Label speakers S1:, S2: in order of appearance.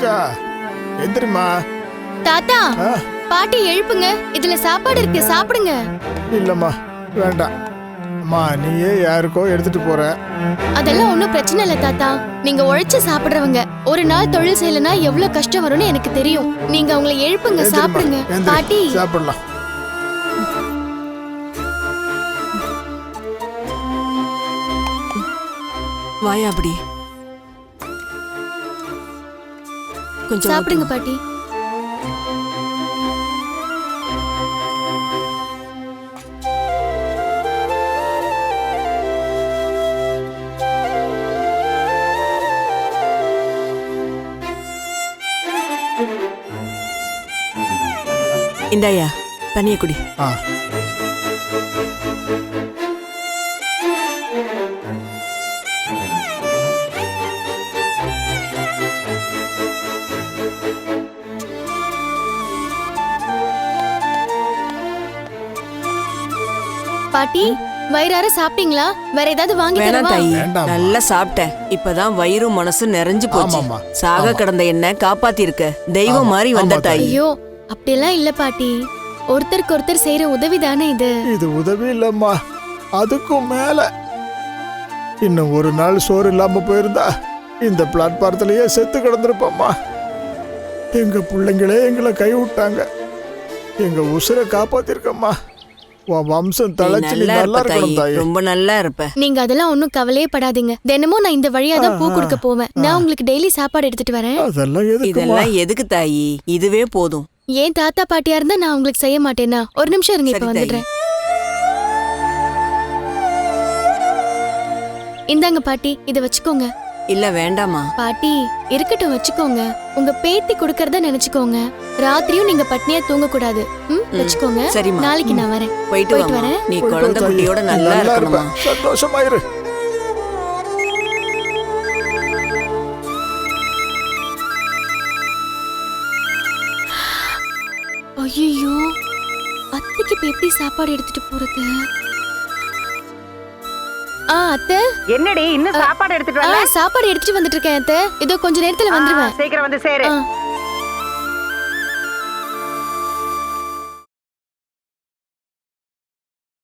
S1: வந்துருச்சா? எந்திரிமா.
S2: தாத்தா, பாட்டி எழுப்புங்க. இதுல சாப்பாடு இருக்கு, சாப்பிடுங்க.
S1: இல்லம்மா, வேண்டாம். அம்மா, நீயே யாருக்கோ எடுத்துட்டு போற.
S2: அதெல்லாம் ஒண்ணும் பிரச்சனை இல்ல தாத்தா. நீங்க உழைச்சு சாப்பிடுறவங்க. ஒரு நாள் தொழில் செய்யலனா எவ்வளவு கஷ்டம் வரும்னு எனக்கு தெரியும். நீங்க அவங்களை எழுப்புங்க, சாப்பிடுங்க. பாட்டி
S1: சாப்பிடலாம்.
S3: வாயா அப்படி கொஞ்சம்
S2: சாப்பிடுங்க பாட்டி.
S3: இந்தாயா தண்ணிய குடி.
S2: பாட்டி, வயிறார சாப்பிட்டீங்களா? வேற ஏதாவது வாங்கி
S3: வேணாம்
S2: தரவா?
S3: தாயி, நல்லா சாப்பிட்டேன். இப்பதான் வயிறும் மனசும் நிறைஞ்சு போச்சு. சாக கிடந்த என்ன காப்பாத்தி இருக்க, தெய்வம் மாதிரி வந்த தாயி.
S2: ஐயோ, அப்படியெல்லாம் இல்ல பாட்டி. ஒருத்தருக்கு ஒருத்தர் செய்யற உதவி தானே இது.
S1: இது உதவி இல்லம்மா, அதுக்கும் மேல. இன்னும் ஒரு நாள் சோறு இல்லாம போயிருந்தா இந்த பிளாட்பாரத்திலேயே செத்து கிடந்திருப்போம்மா. எங்க பிள்ளைங்களே எங்களை கை விட்டாங்க. எங்க உசுரை காப்பாத்திருக்கம்மா. உன் வம்சம் தழைச்சு நீ நல்லா இருக்கணும் தாயி.
S3: ரொம்ப நல்லா இருப்ப.
S2: நீங்க அதெல்லாம் ஒண்ணும் கவலையே படாதீங்க. தினமும் நான் இந்த வழியா தான் பூ கொடுக்க போவேன். நான் உங்களுக்கு டெய்லி சாப்பாடு எடுத்துட்டு வரேன்.
S3: இதெல்லாம் எதுக்கு தாயி? இதுவே போதும்.
S2: ஏன் தாத்தா பாட்டியா இருந்தா நான் உங்களுக்கு செய்ய மாட்டேனா? ஒரு நிமிஷம் இருங்க, இப்ப வந்துடுறேன். இந்தாங்க பாட்டி, இத வச்சுக்கோங்க.
S3: இல்ல வேண்டாமா
S2: பாட்டி, இருக்கட்டும், வச்சுக்கோங்க. உங்க பேத்தி குடுக்கறத நினைச்சுக்கோங்க. ராத்திரியும் நீங்க பட்னியா தூங்க கூடாது. வச்சுக்கோங்க.
S3: சரிம்மா,
S2: நாளைக்கு நான் வரேன்.
S3: போயிட்டு வரேன். நீ குழந்தை குட்டியோட நல்லா இருக்கணுமா?
S1: சந்தோஷமாயிரு.
S2: ஐயோ, அத்தைக்கு இப்ப எப்படி சாப்பாடு எடுத்துட்டு போறது? அத்தை,
S4: என்னடி இன்னும் சாப்பாடு எடுத்துட்டு வரல?
S2: சாப்பாடு எடுத்துட்டு வந்துட்டு இருக்கேன் அத்தை. இதோ கொஞ்ச நேரத்துல வந்துருவேன்.
S4: சீக்கிரம் வந்து சேரு.